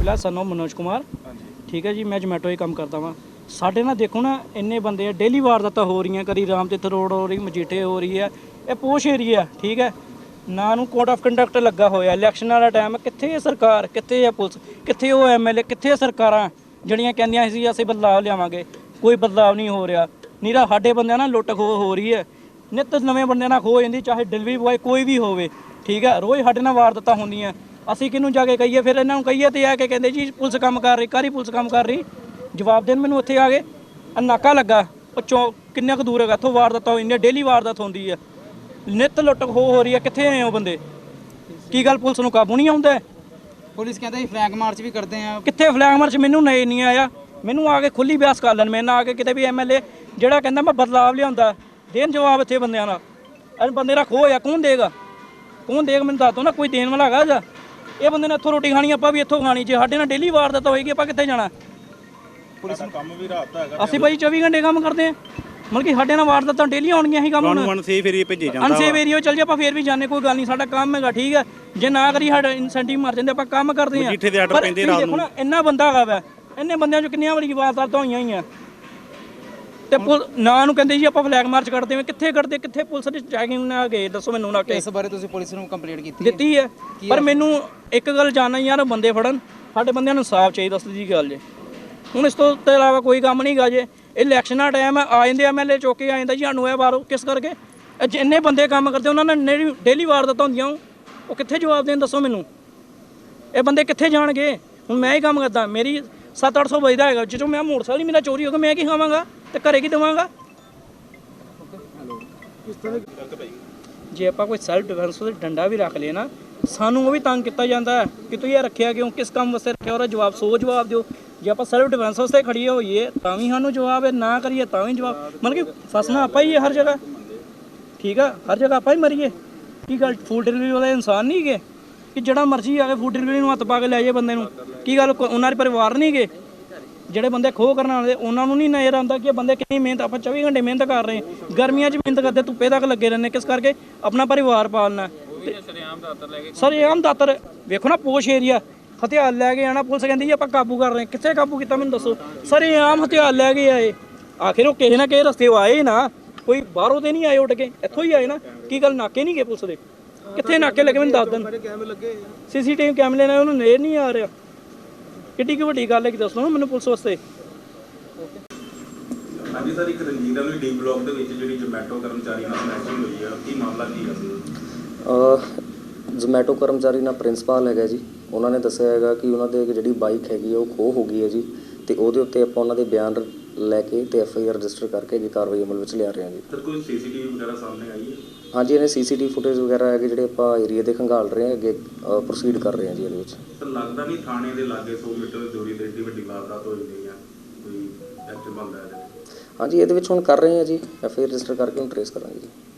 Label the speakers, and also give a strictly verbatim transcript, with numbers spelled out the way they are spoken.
Speaker 1: फिलहाल son of Manoj Kumar ठीक है जी। मैं जोमैटो ही काम करता वा। साढ़े ना देखो ना इन्ने बंदे डेली वारदातां हो रही, कभी राम तीर्थ रोड हो रही, मजीठे हो रही है। ये पोश एरिया ठीक है ना, नूं कोड ऑफ कंडक्ट लगा होया। इलैक्शन वाला टाइम कित्थे है सरकार, कित्थे है पुलिस, कित्थे वो एम एल ए, कित्थे सरकारां ਜਿਹੜੀਆਂ ਕਹਿੰਦੀਆਂ ਸੀ ਅਸੀਂ ਬਦਲਾਅ ਲਿਆਵਾਂਗੇ। ਕੋਈ ਬਦਲਾਅ ਨਹੀਂ ਹੋ ਰਿਹਾ। ਨੀਰਾ ਸਾਡੇ ਬੰਦਿਆਂ ਨਾਲ ਲੁੱਟ ਖੋਹ ਹੋ ਰਹੀ ਹੈ। ਨਿੱਤ ਨਵੇਂ ਬੰਦਿਆਂ ਨਾਲ ਖੋਹ ਜਾਂਦੀ, ਚਾਹੇ ਡਿਲੀਵਰੀ ਬॉय ਕੋਈ ਵੀ ਹੋਵੇ ਠੀਕ ਹੈ। ਰੋਜ਼ ਸਾਡੇ ਨਾਲ ਵਾਰਦਾਤਾਂ ਹੁੰਦੀਆਂ। ਅਸੀਂ ਕਿਹਨੂੰ ਜਾ ਕੇ ਕਹੀਏ? ਫਿਰ ਇਹਨਾਂ ਨੂੰ ਕਹੀਏ ਤੇ ਆ ਕੇ ਕਹਿੰਦੇ ਜੀ ਪੁਲਿਸ ਕੰਮ ਕਰ ਰਹੀ, ਕਾਹਦੀ ਪੁਲਿਸ ਕੰਮ ਕਰ ਰਹੀ? ਜਵਾਬ ਦੇਣ ਮੈਨੂੰ ਉੱਥੇ ਆ ਗਏ। ਨਾਕਾ ਲੱਗਾ ਉਹ ਚੌ ਕਿੰਨਾ ਕੁ ਦੂਰ ਹੈਗਾ ਇੱਥੋਂ ਵਾਰਦਾਤਾਂ ਇੰਨੇ ਡੇਲੀ ਵਾਰਦਾਤ ਹੁੰਦੀ ਹੈ। ਨਿੱਤ ਲੁੱਟ ਖੋਹ ਹੋ ਰਹੀ ਹੈ। ਕਿੱਥੇ ਆਏ ਉਹ ਬੰਦੇ? ਕੀ ਗੱਲ ਪੁਲਿਸ ਨੂੰ ਕਾਬੂ ਨਹੀਂ ਆਉਂਦਾ?
Speaker 2: ਪੁਲਿਸ ਕਹਿੰਦਾ ਜੀ ਫਲੈਗ ਮਾਰਚ ਵੀ ਕਰਦੇ ਆ।
Speaker 1: ਕਿੱਥੇ ਫਲੈਗ ਮਾਰਚ? ਮੈਨੂੰ ਨਹੀਂ ਨਹੀਂ ਆਇਆ। ਮੈਨੂੰ ਆ ਕੇ ਖੁੱਲੀ ਬਿਆਸ ਕਰ ਲੈਣ। ਮੇਰੇ ਨਾਲ ਆ ਕੇ ਕਿਤੇ ਵੀ ਐਮ ਐਲ ਏ ਜਿਹੜਾ ਕਹਿੰਦਾ ਮੈਂ ਬਦਲਾਵ ਲਿਆਉਂਦਾ ਦੇਣ ਜਵਾਬ ਇੱਥੇ ਬੰਦਿਆਂ ਨਾਲ। ਅਰੇ ਬੰਦੇ ਦਾ ਖੋਹ ਆ, ਕੌਣ ਦੇਗਾ? ਕੌਣ ਦੇਗਾ ਮੈਨੂੰ ਦੱਸ ਦੋ ਨਾ। ਕੋਈ ਦੇਣ ਵਾਲਾ ਹੈਗਾ ਜਾਂ? ਇਹ ਬੰਦੇ ਨੇ ਇੱਥੋਂ ਰੋਟੀ ਖਾਣੀ, ਆਪਾਂ ਵੀ ਇੱਥੋਂ ਖਾਣੀ। ਜੇ ਸਾਡੇ ਨਾਲ ਡੇਲੀ ਵਾਰਦਾਤ ਹੋਏਗੀ ਆਪਾਂ ਕਿੱਥੇ ਜਾਣਾ?
Speaker 3: ਪੁਲਿਸ ਦਾ ਕੰਮ ਵੀ ਰਾਤ ਦਾ ਹੈਗਾ।
Speaker 1: ਅਸੀਂ ਭਾਈ ਚੌਵੀ ਘੰਟੇ ਕੰਮ ਕਰਦੇ ਹਾਂ। ਮਤਲਬ ਕਿ ਸਾਡੇ ਨਾਲ ਵਾਰਦਾਤਾਂ ਡੇਲੀ ਆਉਣਗੀਆਂ ਹੀ ਕੰਮ।
Speaker 3: ਤੁਹਾਨੂੰ ਅਨਸੇਫ ਏਰੀਆ ਭੇਜੇ ਜਾਂਦਾ।
Speaker 1: ਅਨਸੇਫ ਏਰੀਆ ਚੱਲ ਜੇ ਆਪਾਂ ਫੇਰ ਵੀ ਜਾਣੇ, ਕੋਈ ਗੱਲ ਨਹੀਂ। ਸਾਡਾ ਕੰਮ ਹੈਗਾ ਠੀਕ ਹੈ। ਜੇ ਨਾ ਕਰੀ ਸਾਡਾ ਇਨਸੈਂਟਿਵ ਮਰ ਜਾਂਦੇ, ਆਪਾਂ ਕੰਮ ਕਰਦੇ ਹਾਂ।
Speaker 3: ਜਿੱਥੇ ਦੇ ਆਰਡਰ ਪੈਂਦੇ ਰਾਤ ਨੂੰ।
Speaker 1: ਇੰਨਾ ਬੰਦਾ ਹੈਗਾ ਵਾ, ਇੰਨੇ ਬੰਦਿਆਂ ਚੋਂ ਕਿੰਨੀਆਂ ਵਾਰੀ ਵਾਰਦਾਤਾਂ ਹੋਈਆਂ ਹੀ ਆ। ਤੇ ਨਾ ਨੂੰ ਕਹਿੰਦੇ ਜੀ ਆਪਾਂ ਫਲੈਗ ਮਾਰਚ ਕਰਦੇ ਹਾਂ। ਕਿੱਥੇ ਕਰਦੇ? ਕਿੱਥੇ ਪੁਲਿਸ ਦੀ ਚੈਕਿੰਗ ਨਾ ਗਏ? ਦੱਸੋ ਮੈਨੂੰ ਨਾ ਕਿ
Speaker 2: ਇਸ ਬਾਰੇ ਤੁਸੀਂ ਪੁਲਿਸ ਨੂੰ ਕੰਪਲੇਂਟ ਕੀਤੀ
Speaker 1: ਦਿੱਤੀ ਹੈ। ਪਰ ਮੈਨੂੰ ਇੱਕ ਗੱਲ ਜਾਣਨਾ ਯਾਰ, ਬੰਦੇ ਫੜਨ, ਸਾਡੇ ਬੰਦਿਆਂ ਨੂੰ ਇਨਸਾਫ ਚਾਹੀਦਾ। ਸਿੱਧੀ ਗੱਲ ਜੇ। ਹੁਣ ਇਸ ਤੋਂ ਇਲਾਵਾ ਕੋਈ ਕੰਮ ਨਹੀਂ ਗਾ। ਜੇ ਇਲੈਕਸ਼ਨ ਦਾ ਟਾਈਮ ਹੈ, ਆ ਜਾਂਦੇ ਐਮ ਐਲ ਏ ਚੁੱਕ ਕੇ ਆ ਜਾਂਦਾ ਜੀ ਸਾਨੂੰ ਇਹ ਬਾਹਰੋਂ। ਕਿਸ ਕਰਕੇ? ਜਿੰਨੇ ਬੰਦੇ ਕੰਮ ਕਰਦੇ ਉਹਨਾਂ ਨਾਲ ਡੇਲੀ ਵਾਰਦਾਤਾਂ ਹੁੰਦੀਆਂ, ਉਹ ਕਿੱਥੇ ਜਵਾਬ ਦੇਣ? ਦੱਸੋ ਮੈਨੂੰ। ਇਹ ਬੰਦੇ ਕਿੱਥੇ ਜਾਣਗੇ? ਹੁਣ ਮੈਂ ਹੀ ਕੰਮ ਕਰਦਾ, ਮੇਰੀ ਸੱਤ ਅੱਠ ਸੌ ਵਜਦਾ ਹੈਗਾ। ਜਦੋਂ ਮੈਂ ਮੋਟਰਸਾਈਕਲ ਹੀ ਮੇਰਾ ਚੋਰੀ ਹੋ ਗਿਆ, ਮੈਂ ਕੀ ਖਾਵਾਂਗਾ ਤੇ ਘਰੇ ਕੀ ਦੇਵਾਂਗਾ? ਜੇ ਆਪਾਂ ਕੋਈ ਸੈਲਫ ਡਿਫੈਂਸ ਦਾ ਡੰਡਾ ਵੀ ਰੱਖ ਲਏ ਨਾ, ਸਾਨੂੰ ਉਹ ਵੀ ਤੰਗ ਕੀਤਾ ਜਾਂਦਾ ਕਿ ਤੂੰ ਇਹ ਰੱਖਿਆ ਕਿਉਂ, ਕਿਸ ਕੰਮ ਵਾਸਤੇ ਰੱਖਿਆ? ਉਹਦਾ ਜਵਾਬ ਸੋ ਜਵਾਬ ਦਿਓ। ਜੇ ਆਪਾਂ ਸੈਲਫ ਡਿਫੈਂਸ ਵਾਸਤੇ ਖੜੀਏ ਹੋਈਏ ਤਾਂ ਵੀ ਸਾਨੂੰ ਜਵਾਬ ਹੈ, ਨਾ ਕਰੀਏ ਤਾਂ ਵੀ ਜਵਾਬ। ਮਤਲਬ ਕਿ ਫਸਣਾ ਆਪਾਂ ਹੀ ਹੈ ਹਰ ਜਗ੍ਹਾ ਠੀਕ ਆ। ਹਰ ਜਗ੍ਹਾ ਆਪਾਂ ਹੀ ਮਰੀਏ। ਕੀ ਗੱਲ ਫੂਡ ਡਿਲੀਵਰੀ ਵਾਲੇ ਇਨਸਾਨ ਨਹੀਂ ਗਏ ਕਿ ਜਿਹੜਾ ਮਰਜ਼ੀ ਆ ਕੇ ਫੂਡ ਡਿਲੀਵਰੀ ਨੂੰ ਹੱਥ ਪਾ ਕੇ ਲੈ ਜਾਏ ਬੰਦੇ ਨੂੰ? ਕੀ ਗੱਲ ਉਹਨਾਂ ਦੇ ਪਰਿਵਾਰ ਨਹੀਂ ਗਏ? ਜਿਹੜੇ ਬੰਦੇ ਖੋਹ ਕਰਨ ਵਾਲੇ ਉਹਨਾਂ ਨੂੰ ਨਹੀਂ ਨਜ਼ਰ ਆਉਂਦਾ ਕਿ ਇਹ ਬੰਦੇ ਕਿੰਨੀ ਮਿਹਨਤ, ਆਪਾਂ ਚੌਵੀ ਘੰਟੇ ਮਿਹਨਤ ਕਰ ਰਹੇ ਹਾਂ। ਗਰਮੀਆਂ 'ਚ ਮਿਹਨਤ ਕਰਦੇ, ਧੁੱਪੇ ਤੱਕ ਲੱਗੇ ਰਹਿੰਦੇ। ਕਿਸ ਕਰਕੇ? ਆਪਣਾ ਪਰਿਵਾਰ ਪਾਲਣਾ। ਸਰ ਇਹ ਆਮ ਦਾਤਰ ਵੇਖੋ ਨਾ, ਪੋਸ਼ ਏਰੀਆ ਹਥਿਆਰ ਲੈ ਕੇ ਆਣਾ। ਪੁਲਿਸ ਕਹਿੰਦੀ ਜੀ ਆਪਾਂ ਕਾਬੂ ਕਰ ਰਹੇ। ਕਿੱਥੇ ਕਾਬੂ ਕੀਤਾ ਮੈਨੂੰ ਦੱਸੋ? ਸਰ ਇਹ ਆਮ ਹਥਿਆਰ ਲੈ ਕੇ ਆਏ। ਆਖਿਰ ਉਹ ਕਿਸੇ ਨਾ ਕਿਸੇ ਰਸਤੇ ਆਏ ਨਾ, ਕੋਈ ਬਾਹਰੋਂ ਤੇ ਨਹੀਂ ਆਏ ਉੱਡ ਕੇ, ਇੱਥੋਂ ਹੀ ਆਏ ਨਾ। ਕੀ ਗੱਲ ਨਾਕੇ ਨਹੀਂ ਗਏ ਪੁਲਿਸ ਦੇ? ਕਿੱਥੇ ਨਾਕੇ ਲੱਗੇ ਮੈਨੂੰ ਦੱਸ ਦੇਣ। ਸੀਸੀਟੀਵੀ ਕੈਮਰੇ ਨਾਲ ਉਹਨੂੰ ਨੇੜ ਨਹੀਂ ਆ ਰਿਹਾ। ਕਿੱਡੀ ਕੀ ਵੱਡੀ ਗੱਲ ਹੈ ਕਿ ਦੱਸੋ ਨਾ ਮੈਨੂੰ ਪੁਲਿਸ ਵਾਸਤੇ।
Speaker 4: ਹਾਂਜੀ ਸਰ, ਇੱਕ ਰਣਜੀਤ ਵਾਲੀ ਡੀ ਬਲਾਕ ਦੇ ਵਿੱਚ ਜਿਹੜੀ ਜੋਮੈਟੋ ਕਰਮਚਾਰੀ ਨਾਲ ਸਮੈਸ਼ਿੰਗ ਹੋਈ ਹੈ, ਕੀ ਮਾਮਲਾ ਕੀ ਹੈ?
Speaker 5: ਜੋਮੈਟੋ ਕਰਮਚਾਰੀ ਨਾਲ ਪ੍ਰਿੰਸੀਪਲ ਹੈਗਾ ਜੀ। ਉਹਨਾਂ ਨੇ ਦੱਸਿਆ ਹੈਗਾ ਕਿ ਉਹਨਾਂ ਦੇ ਜਿਹੜੀ ਬਾਈਕ ਹੈਗੀ ਉਹ ਖੋਹ ਹੋ ਗਈ ਹੈ ਜੀ, ਤੇ ਉਹਦੇ ਉੱਤੇ ਆਪਾਂ ਉਹਨਾਂ ਦੇ ਬਿਆਨ ਲੈ ਕੇ ਤੇ ਐਫ ਆਈ ਆਰ ਰਜਿਸਟਰ ਕਰਕੇ ਅੱਗੇ ਕਾਰਵਾਈ ਅਮਲ ਵਿੱਚ ਲਿਆ ਰਹੇ ਹਾਂ ਜੀ।
Speaker 4: ਸਰ ਕੋਈ ਸੀ ਸੀ ਟੀ ਵੀ ਵਗੈਰਾ ਸਾਹਮਣੇ ਆਈ ਹੈ?
Speaker 5: ਹਾਂਜੀ, ਇਹਨੇ ਸੀ ਸੀ ਟੀ ਫੁਟੇਜ ਵਗੈਰਾ ਹੈਗੇ ਜਿਹੜੇ ਆਪਾਂ ਏਰੀਆ ਦੇ ਖੰਗਾਲ ਰਹੇ ਹਾਂ, ਅੱਗੇ ਪ੍ਰੋਸੀਡ ਕਰ ਰਹੇ ਹਾਂ ਜੀ ਇਹਦੇ ਵਿੱਚ।
Speaker 4: ਸਰ ਲੱਗਦਾ ਨਹੀਂ ਥਾਣੇ ਦੇ ਲਾਗੇ ਸੌ ਮੀਟਰ ਦੀ ਦੂਰੀ ਤੇ ਏਡੀ ਵੱਡੀ ਵਾਰਦਾਤ ਹੋ ਜਾਂਦੀ ਹੈ, ਕੋਈ ਐਕਸ਼ਨ ਬਣਦਾ ਇਹਦੇ ਵਿੱਚ?
Speaker 5: ਹਾਂਜੀ, ਇਹਦੇ ਵਿੱਚ ਹੁਣ ਕਰ ਰਹੇ ਹਾਂ ਜੀ, ਐਫ ਆਈ ਆਰ ਰਜਿਸਟਰ ਕਰਕੇ ਹੁਣ ਟਰੇਸ ਕਰਾਂਗੇ ਜੀ।